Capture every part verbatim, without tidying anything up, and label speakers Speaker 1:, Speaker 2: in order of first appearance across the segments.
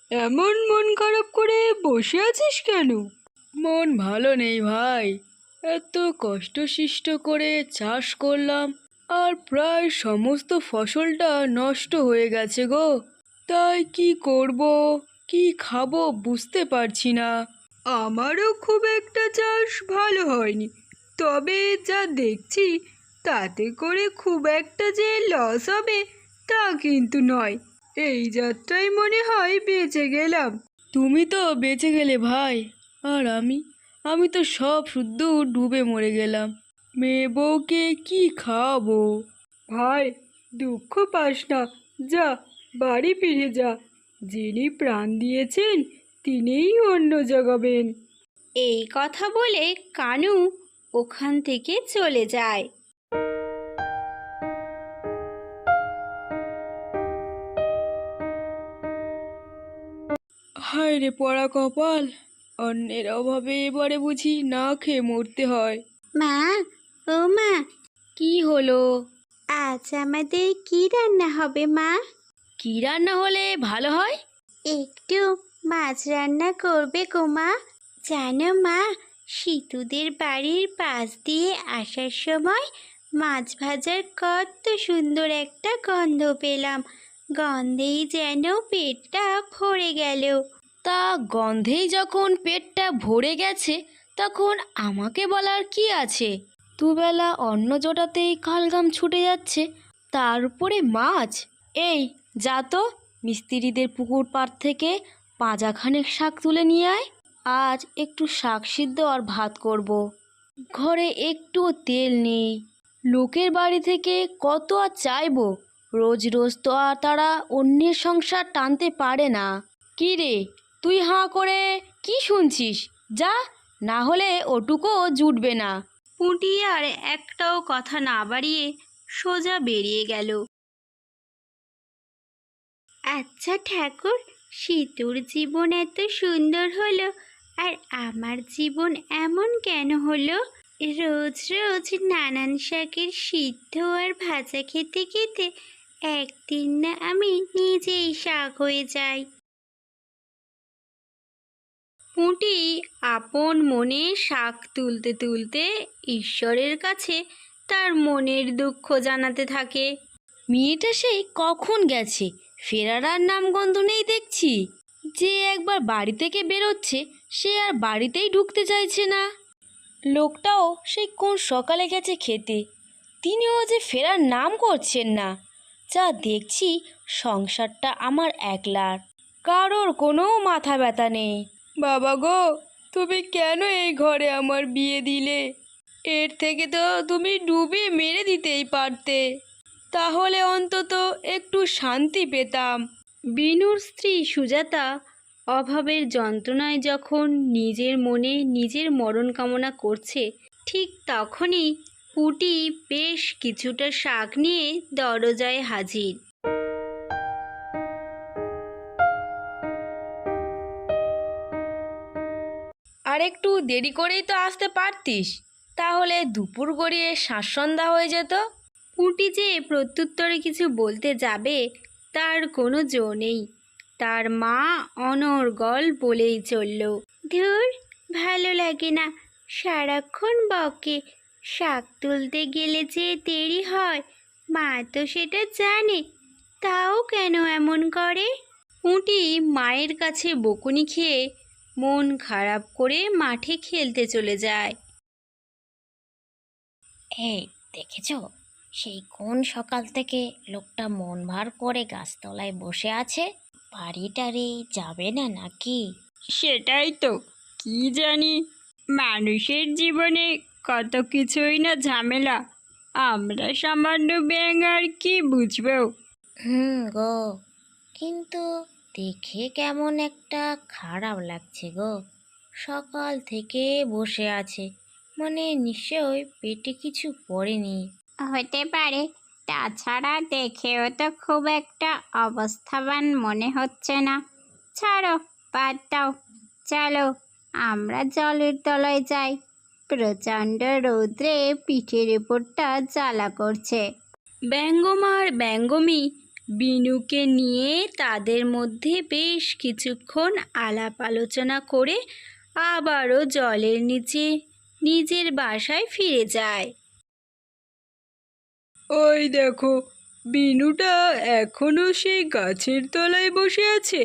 Speaker 1: এমন মন খারাপ করে বসে আছিস কেন? মন ভালো নেই ভাই। এত কষ্টসিষ্ট করে চাষ করলাম, আর প্রায় সমস্ত ফসলটা নষ্ট হয়ে গেছে গো। তাই কি করব, কি খাবো বুঝতে পারছি না। আমারও খুব একটা চাষ ভালো হয়নি, তবে যা দেখছি তাতে করে খুব একটা যে লস হবে তা কিন্তু নয়। এই যাত্রায় মনে হয় বেঁচে গেলাম। তুমি তো বেঁচে গেলে ভাই, আর আমি আমি তো সব শুদ্ধ ডুবে মরে গেলাম। মেয়ে বউকে কি খাওয়াবো? ভাই, দুঃখ পাস না, যা বাড়ি ফিরে যা। যিনি প্রাণ দিয়েছেন তিনিই অন্ন জোগাবেন।
Speaker 2: এই কথা বলে কানু ওখান থেকে চলে যায়।
Speaker 1: হায় রে পড়া কপাল, অন্যের অভাবে এবারে বুঝি না খেয়ে মরতে হয়।
Speaker 2: মা, ও মা,
Speaker 1: কি হলো?
Speaker 2: আজ আমাদের কি রান্না হবে মা?
Speaker 1: কি রান্না হলে ভালো হয়?
Speaker 2: একটু মাছ রান্না করবে গো মা। জানো মা, সীতুদের বাড়ির পাশ দিয়ে আসার সময় মাছ ভাজার কত সুন্দর একটা গন্ধ পেলাম। গন্ধেই যেন পেটটা ভরে গেল।
Speaker 1: তা গন্ধেই যখন পেটটা ভরে গেছে, তখন আমাকে বলার কি আছে? দুবেলা অন্ন জোটাতেই কালঘাম ছুটে যাচ্ছে, তার উপরে মাছ। এই যা তো, মিস্ত্রিদের পুকুর পাড় থেকে পাঁজাখানেক শাক তুলে নিয়ে আয়। আজ একটু শাক সিদ্ধ আর ভাত করব। ঘরে একটুও তেল নেই। লোকের বাড়ি থেকে কত আর চাইবো? রোজ রোজ তো আর তারা অন্যের সংসার টানতে পারে না। কি রে, তুই হাঁ করে কি শুনছিস? যা, না হলে ওটুকুও জুটবে না।
Speaker 2: পুঁটি আর একটাও কথা না বাড়িয়ে সোজা বেরিয়ে গেল। আচ্ছা ঠাকুর, সীতুর জীবন এত সুন্দর হলো, আর আমার জীবন এমন কেন হলো? রোজ রোজ নানান শাকের সিদ্ধ আর ভাজা খেতে খেতে একদিন না আমি নিজেই শাক হয়ে যাই। পুঁটি আপন মনে শাক তুলতে তুলতে ঈশ্বরের কাছে তার মনের দুঃখ জানাতে থাকে।
Speaker 1: মেয়েটা সেই কখন গেছে, ফেরার আর নামগন্ধ নেই দেখছি। যে একবার বাড়ি থেকে বেরোচ্ছে, সে আর বাড়িতেই ঢুকতে চাইছে না। লোকটাও সেই কোন সকালে গেছে খেতে, তিনিও যে ফেরার নাম করছেন না। যা দেখছি সংসারটা আমার একলার, কারোর কোনো মাথা ব্যথা নেই। বাবা গো, তুমি কেন এই ঘরে আমার বিয়ে দিলে? এর থেকে তো তুমি ডুবিয়ে মেরে দিতেই পারতে, তাহলে অন্তত একটু শান্তি পেতাম।
Speaker 2: বিনুর স্ত্রী সুজাতা অভাবের যন্ত্রণায় যখন নিজের মনে নিজের মরণ কামনা করছে, ঠিক তখনই পুঁটি বেশ কিছুটা শাক নিয়ে দরজায় হাজির।
Speaker 1: আর একটু দেরি করেই তো আসতে পারতিস, তাহলে দুপুর গড়িয়ে শাঁসসন্ধ্যা হয়ে যেত।
Speaker 2: পুঁটি যে প্রত্যুত্তরে কিছু বলতে যাবে তার কোনো জো নেই। তার মা অনর্গল বলেই চলল, ধুর, ভালো লাগে না, সারাক্ষণ বকে। শাক তুলতে গেলে যে দেরি হয়, মা তো সেটা জানে, তাও কেন এমন করে? পুঁটি মায়ের কাছে বকুনি খেয়ে মন খারাপ করে মাঠে খেলতে চলে যায়।
Speaker 3: এই দেখেছ, সেই কোন সকাল থেকে লোকটা মন ভার করে গাছতলায় বসে আছে? বাড়িটারি যাবে না নাকি?
Speaker 4: সেটাই তো, কি জানি, মানুষের জীবনে কত কিছুই না ঝামেলা, আমরা সামান্য ব্যাঙ আর কি বুঝবো।
Speaker 3: হুম গো, কিন্তু দেখে কেমন একটা খারাপ লাগছে গো। সকাল থেকে বসে আছে, মানে নিশ্চয় পেটে কিছু পড়েনি।
Speaker 4: হতে পারে, তাছাড়া দেখেও তো খুব একটা অবস্থাবান মনে হচ্ছে না। ছাড়ো, বাদ দাও, চলো আমরা জলের তলায় যাই। প্রচণ্ড রৌদ্রে পিঠের উপরটা জ্বালা করছে।
Speaker 2: ব্যঙ্গমার ব্যঙ্গমী বিনুকে নিয়ে তাদের মধ্যে বেশ কিছুক্ষণ আলাপ আলোচনা করে আবারও জলের নিচে নিজের বাসায় ফিরে যায়।
Speaker 1: ওই দেখো, বিনুটা এখনো সেই গাছের তলায় বসে আছে।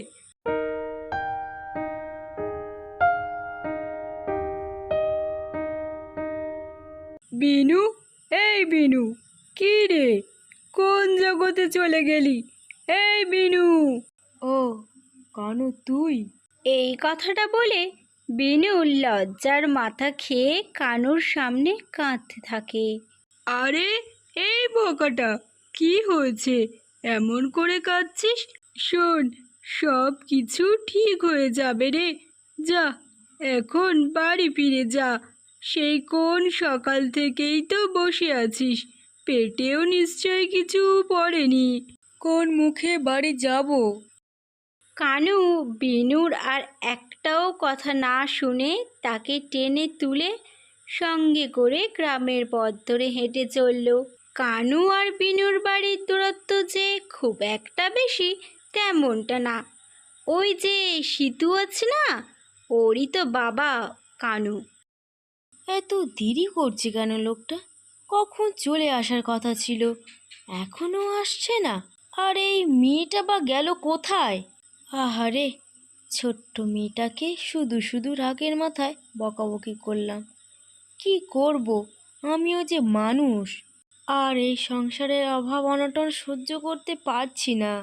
Speaker 1: বিনু, এই বিনু, কি রে, কোন জগতে চলে গেলি? এই বিনু! ও কানু, তুই?
Speaker 2: এই কথাটা বলে বিনু লজ্জার মাথা খেয়ে কানুর সামনে কাঁদতে থাকে।
Speaker 1: আরে এই বোকাটা, কি হয়েছে, এমন করে কাঁদছিস? শোন, সব কিছু ঠিক হয়ে যাবে রে। যা, এখন বাড়ি ফিরে যা। সেই কোন সকাল থেকেই তো বসে আছিস, পেটেও নিশ্চয়ই কিছু পড়েনি। কোন মুখে বাড়ি যাব?
Speaker 2: কানু বিনুর আর একটাও কথা না শুনে তাকে টেনে তুলে সঙ্গে করে গ্রামের পথ ধরে হেঁটে চলল। কানু আর বিনুর বাড়ির দূরত্ব যে খুব একটা বেশি তেমনটা না। ওই যে সিতু আছে না, ওরই তো বাবা কানু।
Speaker 3: এত দেরি করছে কেন লোকটা? কখন চলে আসার কথা ছিল, এখনো আসছে না। আর এই মেয়েটা বা গেল কোথায়? আহারে, ছোট্ট মেয়েটাকে শুধু শুধু রাগের মাথায় বকাবকি করলাম। কি করব, আমিও যে মানুষ, আর এই সংসারের অভাব অনটন সহ্য করতে পারছি না।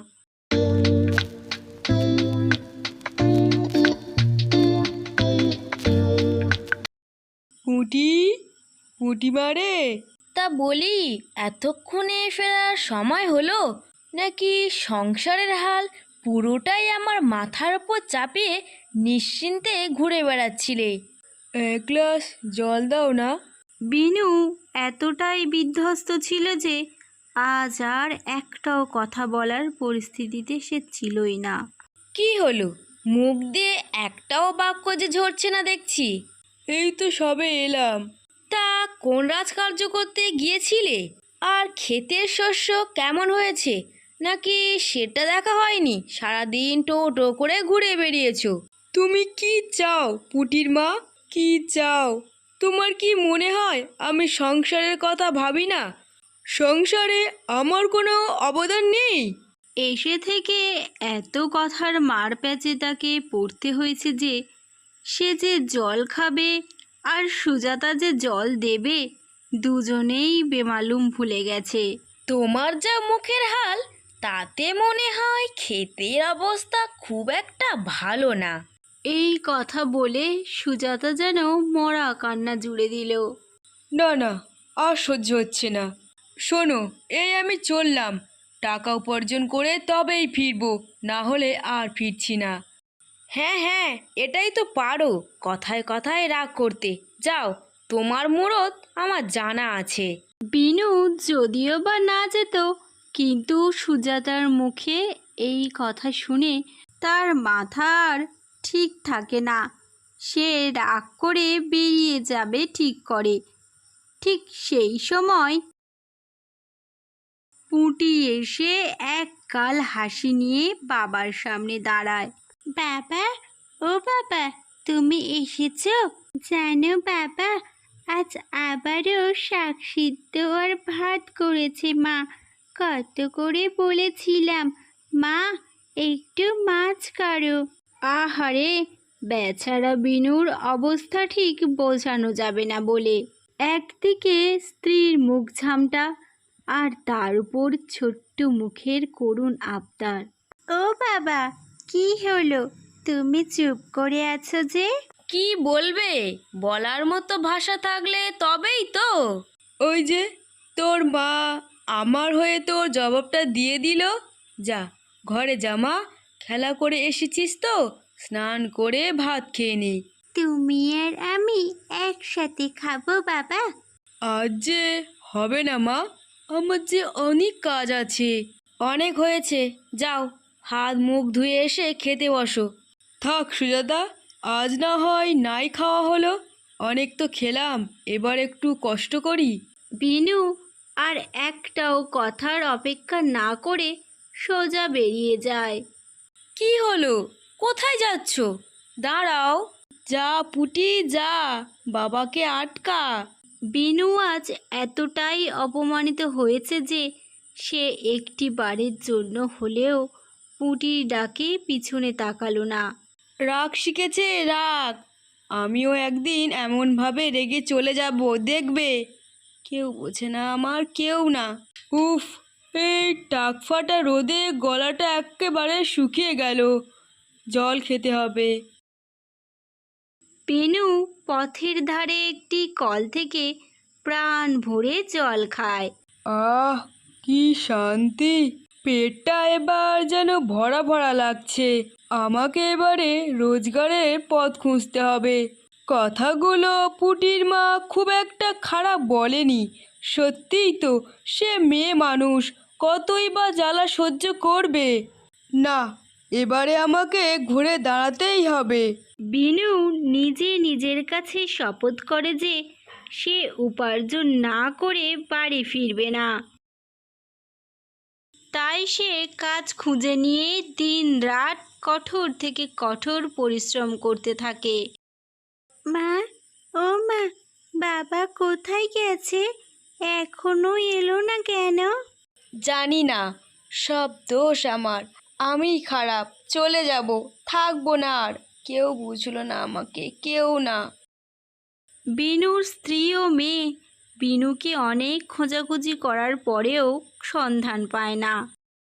Speaker 1: পুঁটি, পুঁটি মারে।
Speaker 3: তা বলি, এতক্ষণে ফেরার সময় হলো, নাকি সংসারের হাল পুরোটাই আমার মাথার উপর চাপিয়ে নিশ্চিন্তে ঘুরে বেড়াচ্ছিলে?
Speaker 1: এক গ্লাস জল দাও না।
Speaker 2: বিনু এতটাই বিধ্বস্ত ছিল যে আজ আর একটাও কথা বলার পরিস্থিতিতে সে ছিলই না।
Speaker 3: কি হলো, মুখ দিয়ে একটাও বাক্য যে ঝরছে না দেখছি।
Speaker 1: এই তো সবে এলাম।
Speaker 3: তা কোন রাজকার্য করতে গিয়েছিলে? আর ক্ষেতের শস্য কেমন হয়েছে নাকি সেটা দেখা হয়নি? সারাদিন টো টো করে ঘুরে বেরিয়েছো।
Speaker 1: তুমি কি চাও পুটির মা, কি চাও? তোমার কি মনে হয় আমি সংসারের কথা ভাবি না? সংসারে আমার কোনো অবদান নেই?
Speaker 2: এসে থেকে এত কথার মার প্যাচে তাকে পড়তে হয়েছে যে সে যে জল খাবে আর সুজাতা যে জল দেবে দুজনেই বেমালুম ভুলে গেছে।
Speaker 3: তোমার যা মুখের হাল, তাতে মনে হয় ক্ষেতের অবস্থা খুব একটা ভালো না।
Speaker 2: এই কথা বলে সুজাতা যেন মরা কান্না জুড়ে দিল।
Speaker 1: না না, আর সহ্য হচ্ছে না। শোনো, এই আমি চললাম, টাকা উপার্জন করে তবেই ফিরবো, না হলে আর ফিরছি না।
Speaker 3: হ্যাঁ হ্যাঁ, এটাই তো পারো কথায় কথায় রাগ করতে। যাও, তোমার মুরত আমার জানা আছে।
Speaker 2: বিনু যদিও বা না যেত, কিন্তু সুজাতার মুখে এই কথা শুনে তার মাথা আর ঠিক থাকে না। সে রাগ করে বেরিয়ে যাবে ঠিক করে। ঠিক সেই সময় পুঁটি এসে এক গাল হাসি নিয়ে বাবার সামনে দাঁড়ায়। বাবা, ও বাবা, তুমি এসেছো? জানো বাবা, আজ আবারও শাক সিদ্ধ আর ভাত করেছে মা। কত করে বলেছিলাম, মা একটু মাছ করো। আহারে, বেচারা বিনুর অবস্থা ঠিক বোঝানো যাবে না বলে। একদিকে স্ত্রীর মুখ ঝামটা, আর তার উপর ছোট্ট মুখের করুণ আবদার। ও বাবা, কি হলো, তুমি চুপ করে আছো যে?
Speaker 3: কি বলবে, বলার মতো ভাষা থাকলে তবেই তো।
Speaker 1: ওই যে তোর মা আমার হয়ে তোর জবাবটা দিয়ে দিল। যা, ঘরে জামা, খেলা করে এসেছিস তো, স্নান করে ভাত খেয়ে নি।
Speaker 2: তুমি আর আমি একসাথে খাবো বাবা।
Speaker 1: আজ যে হবে না মা, আমার যে অনেক কাজ আছে।
Speaker 3: অনেক হয়েছে, যাও হাত মুখ ধুয়ে এসে খেতে বসো।
Speaker 1: থাক সুজাতা, আজ না হয় নাই খাওয়া হলো, অনেক তো খেলাম, এবার একটু কষ্ট করি।
Speaker 2: বিনু আর একটাও কথার অপেক্ষা না করে সোজা বেরিয়ে যায়।
Speaker 1: কি হলো? কোথায় যাচ্ছ? দাঁড়াও। যা পুটি যা, বাবাকে আটকা।
Speaker 2: বিনু আজ এতটাই অপমানিত হয়েছে যে সে একটি বারের জন্য হলেও পুটির ডাকে পিছনে তাকালো না।
Speaker 1: রাগ শিখেছে রাগ। আমিও একদিন এমনভাবে রেগে চলে যাব, দেখবে। কেউ বোঝে না আমার, কেউ না। উফ, এই টাকফাটা রোদে গলাটা একেবারে শুকিয়ে গেল। জল খেতে হবে।
Speaker 2: বেনু পথের ধারে একটি কল থেকে প্রাণ ভরে জল খায়।
Speaker 1: আহ, কি শান্তি! পেটটা এবার যেন ভরা ভরা লাগছে। আমাকে এবারে রোজগারের পথ খুঁজতে হবে। কথাগুলো পুটির মা খুব একটা খারাপ বলেনি। সত্যিই তো, সে মেয়ে মানুষ, কতই বা জ্বালা সহ্য করবে। না, এবারে আমাকে ঘুরে দাঁড়াতেই হবে।
Speaker 2: বিনু নিজে নিজের কাছে শপথ করে যে সে উপার্জন না করে বাড়ি ফিরবে না। তাই সে কাজ খুঁজে নিয়ে দিন রাত কঠোর থেকে কঠোর পরিশ্রম করতে থাকে। মা, ও মা, বাবা কোথায় গেছে? এখনো এলো না কেন?
Speaker 1: জানি না, সব দোষ আমার। আমি খারাপ, চলে যাব, থাকবো না আর। কেউ বুঝলো না আমাকে, কেউ না।
Speaker 2: বিনুর স্ত্রী ও মেয়ে বিনুকে অনেক খোঁজাখুঁজি করার পরেও সন্ধান পায় না।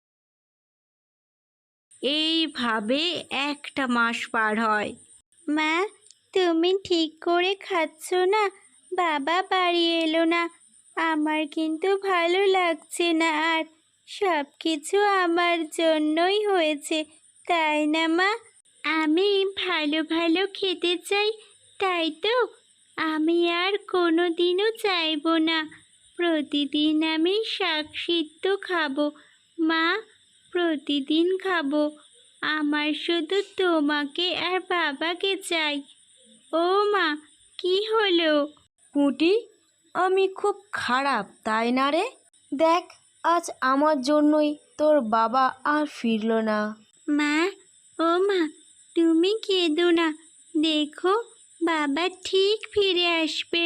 Speaker 2: এইভাবে একটা মাস পার হয়। মা, তুমি ঠিক করে খাচ্ছ না? বাবা বাড়ি এলো না, আমার কিন্তু ভালো লাগছে না আর। সব কিছু আমার জন্যই হয়েছে, তাই না মা? আমি ভালো ভালো খেতে চাই, তাই তো? আমি আর কোনো দিনও চাইবো না প্রতিদিন আমি শাক সিদ্ধ খাবো। মা, প্রতিদিন খাবো। আমার শুধু তোমাকে আর বাবাকে চাই। ও মা, কি হলো?
Speaker 3: পুঁটি, আমি খুব খারাপ তাই না রে? দেখ, আজ আমার জন্যই তোর বাবা আর ফিরলো না।
Speaker 2: মা, ও মা, তুমি কেঁদো না, দেখো বাবা ঠিক ফিরে আসবে।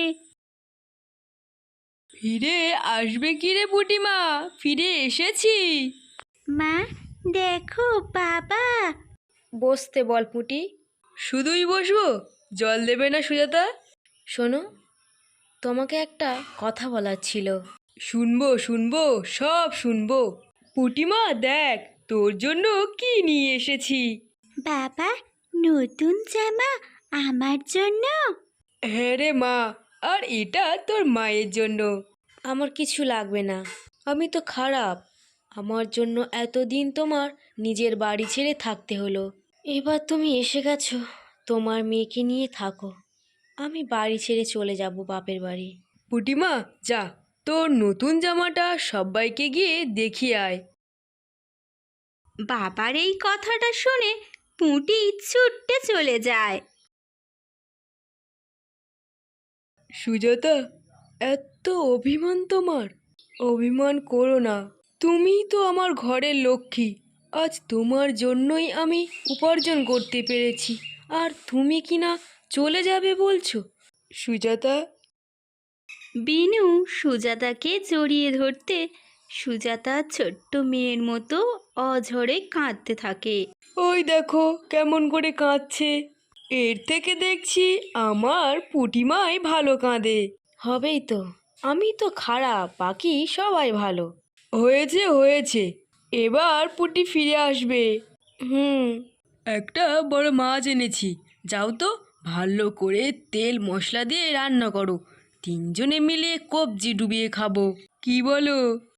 Speaker 1: ফিরে আসবে কি রে পুটিমা? ফিরে এসেছি।
Speaker 2: মা, দেখো বাবা।
Speaker 3: বসতে বল পুঁটি।
Speaker 1: শুধুই বসবো? জল দেবে না সুজাতা?
Speaker 3: শোনো, তোমাকে একটা কথা বলার ছিল।
Speaker 1: শুনবো শুনবো, সব শুনবো। পুটিমা দেখ, তোর জন্য কি নিয়ে এসেছি।
Speaker 2: বাবা, নতুন জামা আমার জন্য?
Speaker 1: হ্যাঁ রে মা, আর এটা তোর মায়ের জন্য।
Speaker 3: আমার কিছু লাগবে না, আমি তো খারাপ। আমার জন্য এতদিন তোমার নিজের বাড়ি ছেড়ে থাকতে হলো। এবার তুমি এসে গেছো, তোমার মেয়েকে নিয়ে থাকো। আমি বাড়ি ছেড়ে চলে যাব বাপের বাড়ি।
Speaker 1: পুটিমা যা, তোর নতুন জামাটা সবাইকে গিয়ে দেখিয়ে আয়।
Speaker 2: বাবার এই কথাটা শুনে পুঁটি ছুটতে চলে যায়।
Speaker 1: সুজাতা, এত অভিমান তোমার? অভিমান করো না, তুমিই তো আমার ঘরের লক্ষ্মী। আজ তোমার জন্যই আমি উপার্জন করতে পেরেছি, আর তুমি কি না চলে যাবে বলছো? সুজাতা।
Speaker 2: বিনু সুজাতাকে জড়িয়ে ধরতে সুজাতা ছোট্ট মেয়ের মতো অঝরে কাঁদতে থাকে।
Speaker 1: ওই দেখো কেমন করে কাঁদছে। এর থেকে দেখছি আমার পুটিমাই ভালো কাঁদে।
Speaker 3: হবেই তো, আমি তো খারাপ, বাকি সবাই ভালো।
Speaker 1: হয়েছে হয়েছে, এবার পুটি ফিরে আসবে।
Speaker 3: হুম।
Speaker 1: একটা বড় মাছ এনেছি, যাও তো ভালো করে তেল মশলা দিয়ে রান্না করো। তিনজনে মিলে কবজি ডুবিয়ে খাবো, কি বলো?